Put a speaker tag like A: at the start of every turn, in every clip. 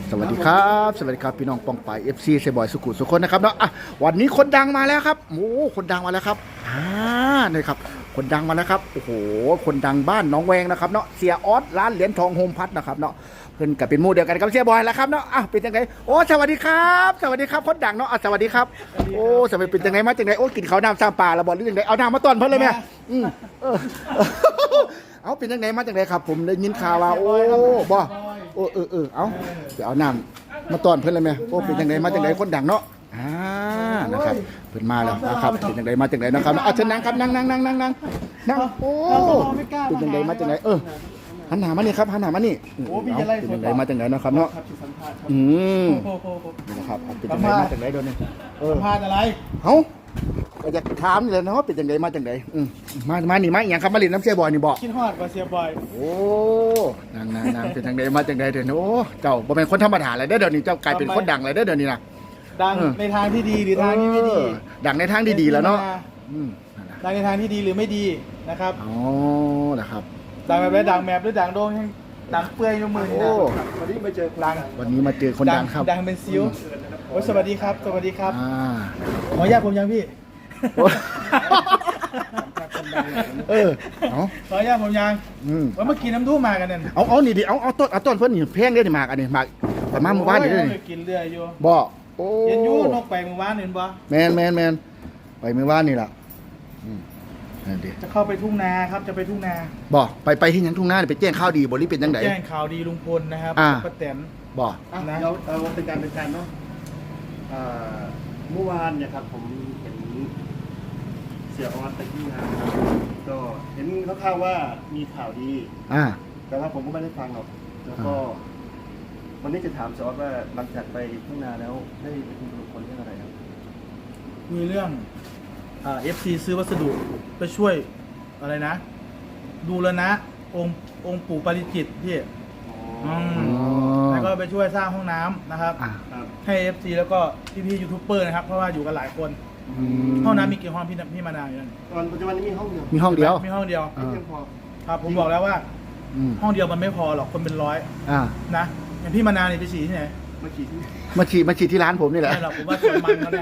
A: สวัสดีครับสวัสดีครับพี่น้องปองไปเอฟซีเซบอยสุขุสุคนนะครับเนาะวันนี้คนดังมาแล้วครับโอ้คนดังมาแล้วครับนี่ครับคนดังมาแล้วครับโอ้โหคนดังบ้านน้องแวงนะครับเนาะเสียออสร้านเหรียญทองโฮมพัทนะครับเนาะเพื่อนกับเป็นหมู่เดียวกันกับเสียบอยแล้วครับเนาะเป็นยังไงโอ้สวัสดีครับสวัสดีครับคนดังเนาะสวัสดีครับโอ้สวัสดีเป็นยังไงมาจังไงโอ้กินข้าวน้ำซาปลาระบอดหรือยังไงเอาน้ำมาต้อนเพิ่นเลยไหมเอาเป็นยังไงมาจังไงครับผมได้ยินข่าวว่าโอ้บ่เอาเดี๋ยวเอาน้ำมาต้อนเพิ่นเลยไหมโอ้เป็นยังไงมาจังไงคนดังเนาะนะครับเพิ่นมาแล้วนะครับเป็นยังไงมาจังไงนะครับเชิญนั่งครับนั่งโอ้เป็นยังไงมาจังไงหันหน้ามานี่ครับหันหน้ามานี่เป็นยังไงมาจังไงนะครับเนาะนี่นะครับเป็นยังไงมาจังไงเดี๋ยวนี้
B: สัมภาษณ์อะไร
A: เขาก็จะถามนี่แหละเนาะเป็นยังไงมาจังไงมานี่มาอย่างครับมาเล่นน้ำเสียบอยนี่บอก
B: คิดฮอดกว่าเสียบอย
A: โอ้นางเป็นจังไงมาจังไงเดี๋ยวนี้โอ้เจ้าบ่เป็นคนธรรมดาเลยเดี๋ยวนี้เจ้ากลายเป็นคนดังเลยเดี๋ยวนี้นะ
B: ดังในทางที่ดีหรือทางที่ไม่ดี
A: ดังในทางที่ดีแล้วเนาะ
B: ดังในทางที่ดีหรือไม่ดีนะครับ
A: อ๋อนะครับ
B: ดังแบบดังแมพหรือดังโด่งดังเปื่อยยกมือนี่นะวันนี้มาเจอ
A: วันนี้มาเจอคนดังครับ
B: ดังเป็นซิวโอ้สวัสดีครับสวัสดีครับขออนุญาตผมยังพี่ขออนุญาตผมยังว่าเมื่อกี้น้ำทู่มากันเนี่ย
A: เอานี่ดิเอาต้นเพื่อนนี่แพงได้ดิมากอันนี้มากแต่มาเมื่อวานนี่ได้
B: กินเรืออยู่
A: บ่
B: โอ้เย็นยูนกไปเมื่อวานเห็นบ่
A: แมนไปเมื่อวานนี่แหละ
B: จะเข้าไปทุ่งนาครับจะไปทุ่งนา
A: บ่ไปที่ยังทุ่งนาไปแจ้งข่าวดีบริเป็นยังไง
B: แจ้งข่าวดีลุงพลนะครับป้าแตน
A: บ่
B: นะ
C: เราเป็นการเนาะเมื่อวานเนี่ยครับผมเห็นเสียออสไปที่งานก็เห็นคร่าวๆว่ามีข่าวดีแต่ว่าผมก็ไม่ได้ฟังหรอกแล้วก็วันนี้จะถามเสียออสว่าหลังจากไปทุ่งนาแล้วได้ไปคุยกับคนเรื่องอะไรครับ
B: มีเรื่องFC ซื้อวัสดุไปช่วยอะไรนะดูแลนะองค์ปู่ปาริจิตพี่แล้วก็ไปช่วยสร้างห้องน้ำนะครับให้ FC แล้วก็พี่ยูทูบเบอร์นะครับเพราะว่าอยู่กันหลายคนห้องน้ำมีกี่ห้องพี่มานาวอยู่นั่น
C: ตอนปัจจุบันนี้มีห้องเดียว
A: มีห้องเดียว
B: ครับผมบอกแล้วว่าห้องเดียวมันไม่พอหรอกคนเป็นร้อยนะอย่างพี่มานาวนี่ไปฉี่ที่ไหน
A: มาฉีดที่ร้านผมนี่แหละ
B: ใช่หรอกผมว่าสวนมันเขาแน่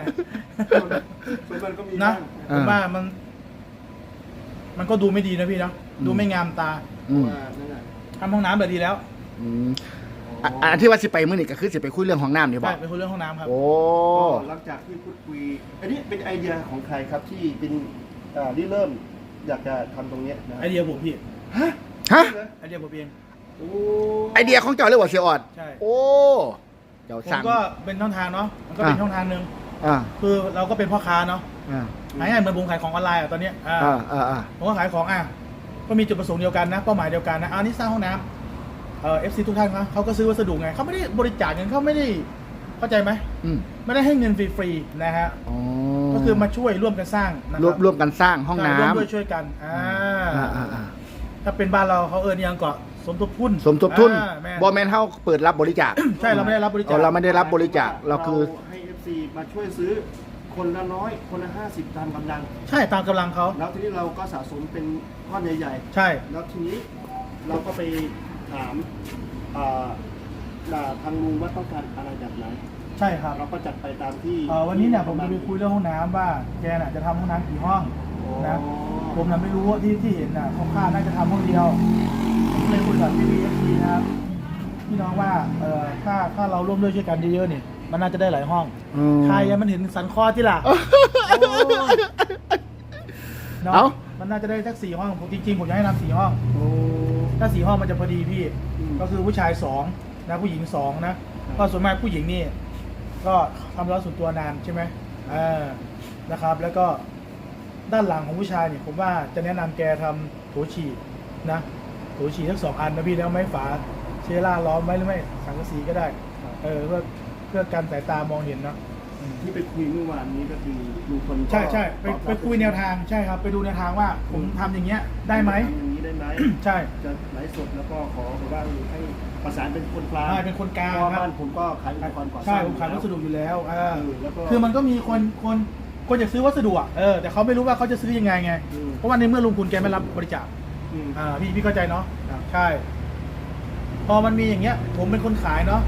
B: นะผมว่ามันก็ดูไม่ดีนะพี่เนาะดูไม่งามตาทำห้องน้ำแบบดีแล้ว
A: อันที่ว่าสิไปเมื่อนี่ก็คือสิไปคุยเรื่องห้องน้ำนี่
B: บอกไปคุยเรื่องห้องน้ำครับ
A: โอ้
C: หลังจากที่พูดคุยอันนี้เป็นไอเดียของใครครับที่เป็นที่เริ่มอยากจะทำตรงนี้
B: ไอเดียผมพี่
A: ฮะ
B: ไอเดียผมเอง
A: ไอเดียของเจ้าเลยว่าเสียออด
B: ใช่
A: โอ้
B: ผมก็เป็นช่องทางเนาะมันก็เป็นช่องทางหนึ่งคือเราก็เป็นพ่อค้าเนาะง่ายๆเหมือนผมขายของออนไลน์ตอนนี้ผมก็ขายของก็มีจุดประสงค์เดียวกันนะเป้าหมายเดียวกันนะนี่สร้างห้องน้ำFC ทุกท่านครับเขาก็ซื้อวัสดุไงเขาไม่ได้บริจาคเงินเขาไม่ได้เข้าใจไหมไม่ได้ให้เงินฟรีๆนะฮะก็คือมาช่วยร่วมกันสร้าง
A: ร่วมกันสร้างห้องน้ำ
B: ร่วมช่วยกันถ้าเป็นบ้านเราเขายังเกาะสมทบทุน
A: บอแมนเฮาเปิดรับบริจาค
B: ใช่เราไม่ได้รับบริจาค
A: เราไม่ได้รับบริจาคเราคือ
C: ให้ FC มาช่วยซื้อคนละน้อยคนละ50ตามกำลัง
B: ใช่ตามกำลังเขา
C: แล้วทีนี้เราก็สะสมเป็นก้อนใหญ่
B: ๆใช่
C: แล้วทีนี้เราก็ไปถามทางลุงว่าต้องการอะไรแบบไหน
B: ใช่ครับ
C: เราก็จัดไปตามที่
B: วันนี้เนี่ยผมจะไปคุยเรื่องห้องน้ำว่าแกน่ะจะทำห้องน้ำกี่ห้องนะผมน่ะไม่รู้ว่าที่เห็นน่ะเขาคาดน่าจะทำห้องเดียวผมเลยคุยกับพี่FC นะครับพี่น้องว่าถ้าเราร่วมด้วยช่วยกันเยอะๆเนี่ยมันน่าจะได้หลายห้องใครมันเห็นสันคอที่ล่ะเนาะมันน่าจะได้สัก4 ห้องจริงๆผมอยากให้ทำ4 ห้องถ้า4 ห้องมันจะพอดีพี่ก็คือผู้ชาย2นะผู้หญิง2นะเพราะส่วนมากผู้หญิงนี่ก็ทำร้านส่วนตัวนานใช่ไหมนะครับแล้วก็ด้านหลังของผู้ชายเนี่ยผมว่าจะแนะนำแกทำโถฉี่นะโถฉี่ทั้ง2 อันนะพี่แล้วไม้ฝาเชล่าล้อมไว้หรือไม่สังกะสีก็ได้เพื่อการสายตามองเห็นนะ
C: ที่ไปคุยเมื่อวานนี้ก็คือลุงพล
B: ใช่ไปคุยแนวทางใช่ครับไปดูแนวทางว่าผมทำอย่างเงี้ยได้ไหม
C: อย่างนี้ได้ไหม
B: ใช่
C: จะไลฟ์สดแล้วก็ขอว่าให้ประสานเป็นคนกลาง
B: เป็นคนกลาง
C: บ้านผมก็ขายอุปกรณ์ก่อสร้าง
B: ใช่ผมขายวัสดุอยู่แล้วคือมันก็มีคนอยากซื้อวัสดุแต่เขาไม่รู้ว่าเขาจะซื้อยังไงเพราะว่าในเมื่อลุงคุณแกไม่รับบริจาคพี่เข้าใจเนาะใช่พอมันมีอย่างเงี้ยผมเป็นคนขายเนาะ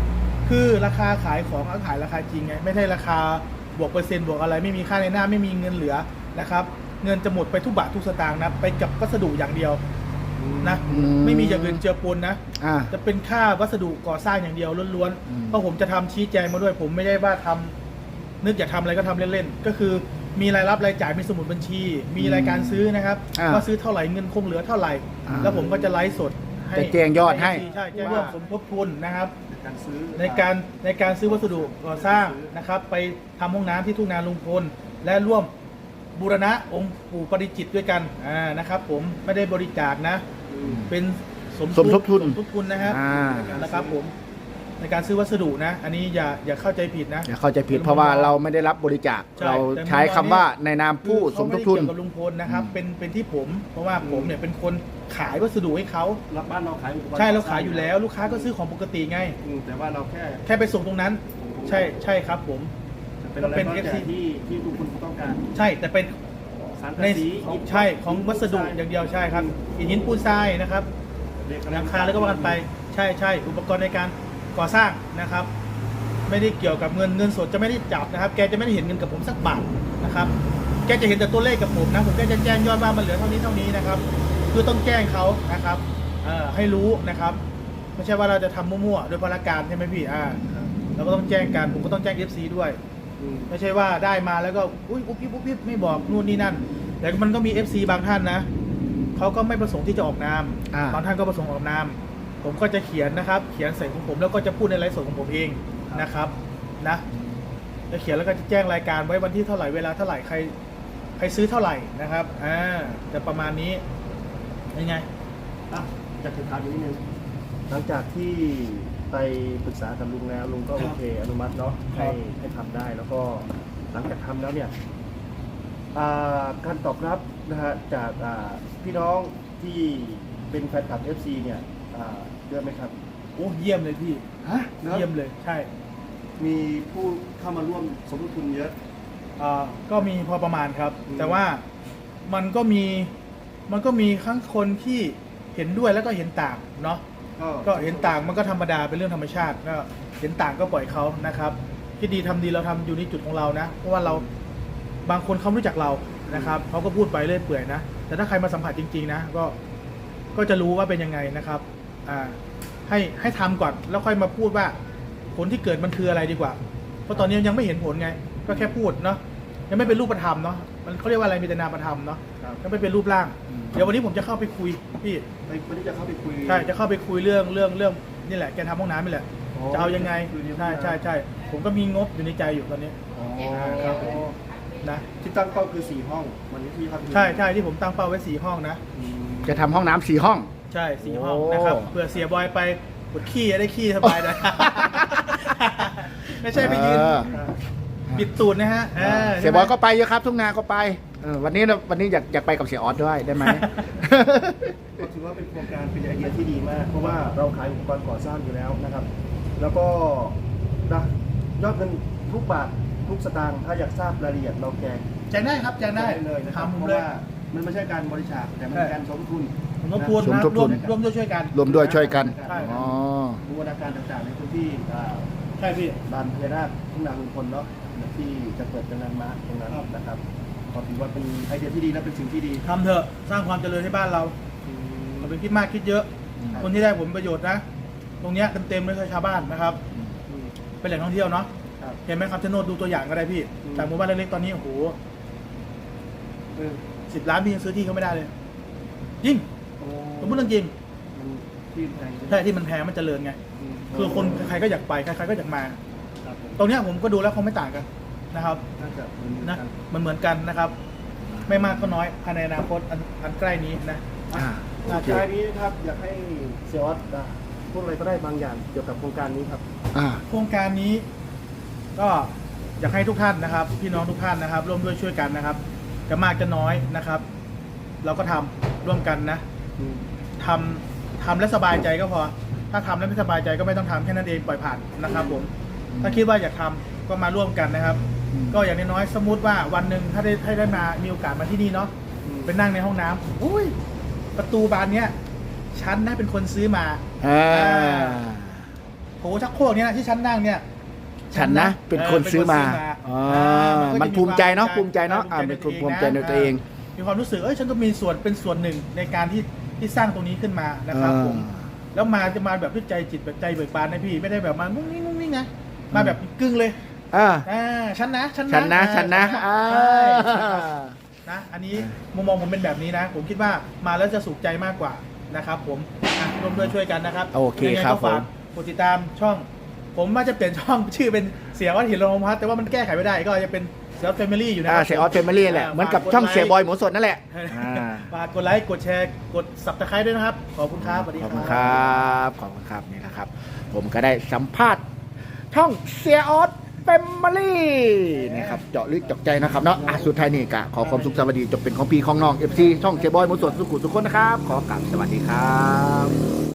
B: คือราคาขายของก็ขายราคาจริงไงไม่ใช่ราคาบวกเปอร์เซ็นต์บวกอะไรไม่มีค่าในหน้าไม่มีเงินเหลือนะครับเงินจะหมดไปทุกบาททุกสตางค์นะไปกับวัสดุอย่างเดียวนะไม่มีอย่างอื่นเจือปนนะ จะเป็นค่าวัสดุก่อสร้างอย่างเดียวล้วนๆเพราะผมจะทำชี้แจงมาด้วยผมไม่ได้ว่าทำนึกอยากทำอะไรก็ทำเล่นๆก็คือมีรายรับรายจ่ายมีสมุดบัญชี มีรายการซื้อนะครับว่าซื้อเท่าไหร่เงินคงเหลือเท่าไหร่ แล้วผมก็จะไลฟ์สดให้
A: จะแจ้งยอดให้
B: ใช่แจ้งยอดสมทบทุนนะครับ
C: การซื้อ
B: ในการซื้อวัสดุก่อสร้างนะครับ ไปทำห้องน้ำที่ทุ่งนาลุงพลและร่วมบูรณะองค์ปู่ปาริจิตรด้วยกันนะครับผมไม่ได้บริจาคนะ เป็นสมทบทุนนะครับนะครับผมในการซื้อวัสดุนะ อันนี้อย่าเข้าใจผิดนะ
A: อย่าเข้าใจผิดเพราะว่าเราไม่ได้รับบริจาค
B: ใช่
A: เราใช้คำว่าในนามผู้สมทบทุน
B: เขาไม่ได้เกี่ยวกับลุงพลนะครับเป็นที่ผม เพราะว่าผมเนี่ยเป็นคนขายวัสดุให้เขา
C: รับบ้านเราขายอุปกรณ์
B: ใช่เราขายอยู่แล้ว ลูกค้าก็ซื้อของปกติไง
C: แต่ว่าเราแค่
B: ไปส่งตรงนั้น ใช่ครับผม
C: เป็นอะไรก็แต่ที่ทุกคนต้องการ
B: ใช่แต่เป็น
C: สาร
B: ใน
C: สี
B: ใช่ของวัสดุอย่างเดียวใช่ครับอิฐหินปูนทรายนะครับหลังคาแล้วก็ว่ากันไปใช่อุปกรณ์ในการก่อสร้างนะครับ ไม่ได้เกี่ยวกับเงินสดจะไม่ได้จับนะครับแกจะไม่ได้เห็นเงินกับผมสักบาทนะครับแกจะเห็นแต่ตัวเลขกับผมนะผมแกจะแจ้งยอดว่ามันเหลือเท่านี้นะครับคือต้องแจ้งเขานะครับให้รู้นะครับไม่ใช่ว่าเราจะทำมั่วๆโดยพลการใช่ไหมพี่เราก็ต้องแจ้งกันผมก็ต้องแจ้ง FC ด้วยไม่ใช่ว่าได้มาแล้วก็อุ้ยอุ๊บปิ๊บไม่บอกนู่นนี่นั่นแต่มันก็มี FC บางท่านนะเขาก็ไม่ประสงค์ที่จะออกนามบางท่านก็ประสงค์ออกนามผมก็จะเขียนนะครับเขียนใส่ของผมแล้วก็จะพูดในไลฟ์สดของผมเองนะครับนะจะเขียนแล้วก็จะแจ้งรายการไว้วันที่เท่าไหร่เวลาเท่าไหร่ใครซื้อเท่าไหร่นะครับจะประมาณนี้ยังไง
C: จากถึงถามอีกนิดนึงหลังจากที่ไปปรึกษากับลุงแล้วลุงก็โอเคอนุมัติเนาะให้ทำได้แล้วก็หลังจากทำแล้วเนี่ยการตอบรับนะฮะจากพี่น้องที่เป็นแฟนคลับ FC เนี่ยเยอะไหมครับ
B: โอ้เยี่ยมเลยพี่เยี่ยมเลยใช่
C: มีผู้เข้ามาร่วมสมทบทุนเยอะ
B: ก็มีพอประมาณครับ แต่ว่ามันก็มีทั้งคนที่เห็นด้วยแล้วก็เห็นต่างเนาะก็เห็นต่างมันก็ธรรมดาเป็นเรื่องธรรมชาติก็เห็นต่างก็ปล่อยเขานะครับคิดดีทำดีเราทำอยู่ในจุดของเรานะเพราะว่าเราบางคนเขาไม่รู้จักเรานะครับเขาก็พูดไปเรื่อยเปื่อยนะแต่ถ้าใครมาสัมผัสจริงๆนะก็จะรู้ว่าเป็นยังไงนะครับให้ทำก่อนแล้วค่อยมาพูดว่าผลที่เกิดมันคืออะไรดีกว่าเพราะตอนนี้ยังไม่เห็นผลไงก็แค่พูดเนาะยังไม่เป็นรูปธรรมเนาะมันเขาเรียกว่าอะไรมีแต่นามธรรมเนาะยังไม่เป็นรูปร่างเดี๋ยววันนี้ผมจะเข้าไปคุยพี่
C: วันนี้จะเข้าไปคุย
B: ใช่จะเข้าไปคุยเรื่องนี่แหละแกทำห้องน้ำนี่แหละจะเอายังไงใช่ผมก็มีงบอยู่ในใจอยู่ตอนนี้ครับนะ
C: ที่ตั้งเป้าคือ4ห้องวันนี้ที่ครับ
B: ใช่ที่ผมตั้งเป้าไว้4ห้องนะ
A: จะทำห้องน้ำ4ห้อง
B: ใช่4ห้องนะครับเผื่อเสียบอยไปปวดขี้ได้ขี้สบายนะไม่ใช่ไปยืนปิดตูดนะฮะ
A: เสียบอยก็ไปเยอะครับทุ่งนาก็ไปวันนี้อยากไปกับเสียออสด้วยได้ไหม
C: ก็ถือว่าเป็นโครงการเป็นไอเดียที่ดีมากเพราะว่าเราขายอุปกรณ์ก่อสร้างอยู่แล้วนะครับแล้วก็ยอดเงินทุกบาททุกสตางค์ถ้าอยากทราบรายละเอียดเราแจ้ง
B: ได้ครับแจ้งได้
C: เลยนะครับเพราะว่ามันไม่ใช่การบริจาคแต่มันเป็นการสมทบทุน
B: ร่วมด้วยช่วยกัน
A: รวมด้วยช่วยกัน
C: บูรณาการต่างๆในพื้นที่
B: ใช่พี่
C: ลานพญานาคทุ่งนาลุงพลเนาะที่จะเปิดเป็นแลนด์มาร์คตรงนั้นนะครับขอถือว่าเป็นไอเดียที่ดีและเป็นสิ่งที่ดี
B: ทำเถอะสร้างความเจริญให้บ้านเราเราไปคิดมากคิดเยอะคนที่ได้ผลประโยชน์นะตรงเนี้ยเต็มๆเลยคือชาวบ้านนะครับเป็นแหล่งท่องเที่ยวเนาะเห็นไหมครับชะโนดดูตัวอย่างก็ได้พี่จากหมู่บ้านเล็กๆตอนนี้โอ้โห10 ล้านพี่ยังซื้อที่เขาไม่ได้เลยจริงผมพูดเรื่องจริงใช่ที่มันแพงมันเจริญไงคือคนใครก็อยากไปใครก็อยากมาตรงเนี้ยผมก็ดูแล้วเขาไม่ต่างกันนะครับนะมันเหมือนกันนะครับ ไม่มากก็น้อยภายในอนาคตอันใกล้นี้นะ
C: ท้ายนี้ครับอยากให้เซียออสพูดอะไรก็ได้บางอย่างเกี่ยวกับโครงการนี้ครับ
B: โครงการนี้ก็อยากให้ทุกท่านนะครับพี่น้องทุกท่านนะครับร่วมด้วยช่วยกันนะครับจะมากจะน้อยนะครับ เราก็ทำร่วมกันนะทำและสบายใจก็พอถ้าทำแล้วไม่สบายใจก็ไม่ต้องทำแค่นั้นเองปล่อยผ่านนะครับผมถ้าคิดว่าอยากทำก็มาร่วมกันนะครับก็อย่างน้อยๆสมมติว่าวันหนึ่งถ้าได้มามีโอกาสมาที่นี่เนาะไปนั่งในห้องน้ำอุ้ยประตูบานเนี้ยฉันนะเป็นคนซื้อมาโถชักโครกเนี่ยที่ฉันนั่งเนี่ย
A: ฉันนะเป็นคนซื้อมาอ๋อมันภูมิใจเนาะภูมิใจเนาะเป็นคนภูมิใจในตัวเอง
B: มีความรู้สึกฉันก็มีส่วนเป็นส่วนหนึ่งในการที่สร้างตรงนี้ขึ้นมานะครับผมแล้วจะมาแบบด้วยใจจิตแบบใจเบิกบานนะพี่ไม่ได้แบบมามุ้งมิ้งนะมาแบบกึ่งเลยฉันนะนะอันนี้มุมมองผมเป็นแบบนี้นะผมคิดว่ามาแล้วจะสุขใจมากกว่านะครับผมร่วมด้วยช่วยกันนะครับ
A: โอเคครับผม
B: ฝากกดติดตามช่องผมว่าจะเปลี่ยนช่องชื่อเป็นเสียวัดหินโรงพัฒน์แต่ว่ามันแก้ไขไม่ได้ก็จะเป็นเสียวัดแฟมิลี่อยู่นะครั
A: เสียออสเฟมิลี่แหละเหมือนกับช่องเสียบอยหมูสดนั่นแหละ
B: ฝากกดไลค์กดแชร์กด Subscribe ด้วยนะครับขอบคุณครับสวัสดี
A: ข
B: ค
A: อบ
B: รับ
A: คุณครับขอบคุณครับนี่นะครับ ผมก็ได้สัมภาษณ์ช่องเสียออสแฟมิลี่นะครับเจาะลึกเจาะใจนะครับเนาะสุดท้ายนี่กะขอความสุขสวัสดีจบเป็นของพี่ของน้อง FC ช่องเสียบอยหมูสดสุขุมทุกคนนะครับขอกราบสวัสดีครับ